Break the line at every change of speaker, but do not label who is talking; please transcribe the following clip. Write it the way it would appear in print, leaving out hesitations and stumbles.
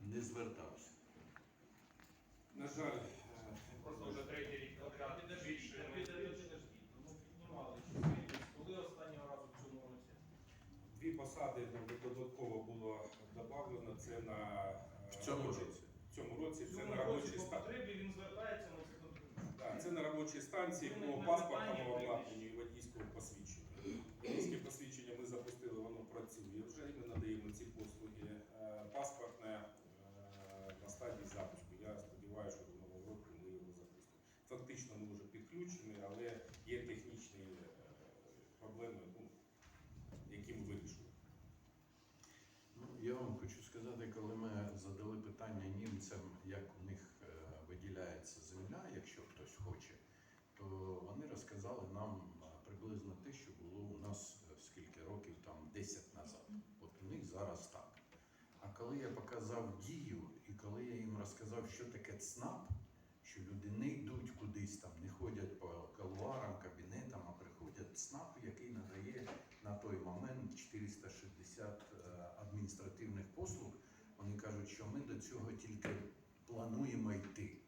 не звертався.
На жаль,
Просто вже третій рік подряд більше.
Підождіть, ну піднімали чисельність. Коли останнього разу в цьому році?
2 посади додатково було додано. Це на
В цьому році.
В цьому році
В
це
цьому
на
році
робочій
по
станції.
потребі він звертається на це контролює.
Так, це на робочій станції
Ну,
по
не
паспортному
питання,
обладнанню і водійському посвідченню. Водійське посвідчення ми запустили, воно працює вже, і ми надаємо ці послуги. Паспортне на стадії запуску. Я сподіваюся, що до нового року ми його запустимо. Фактично ми вже підключені, але є технічні проблеми, які ми вирішуємо.
Ну, я вам хочу сказати, коли ми задали питання німцям, як у них виділяється земля, якщо хтось хоче, то вони розказали нам приблизно те, що було у нас скільки років, там 10 назад. От у них зараз так. А коли я показав дію, і коли я їм розказав, що таке ЦНАП, що люди не йдуть кудись там, не ходять по кулуарам, кабінетам, а приходять ЦНАП, який надає на той момент 460 адміністративних послуг. Вони кажуть, що ми до цього тільки плануємо йти.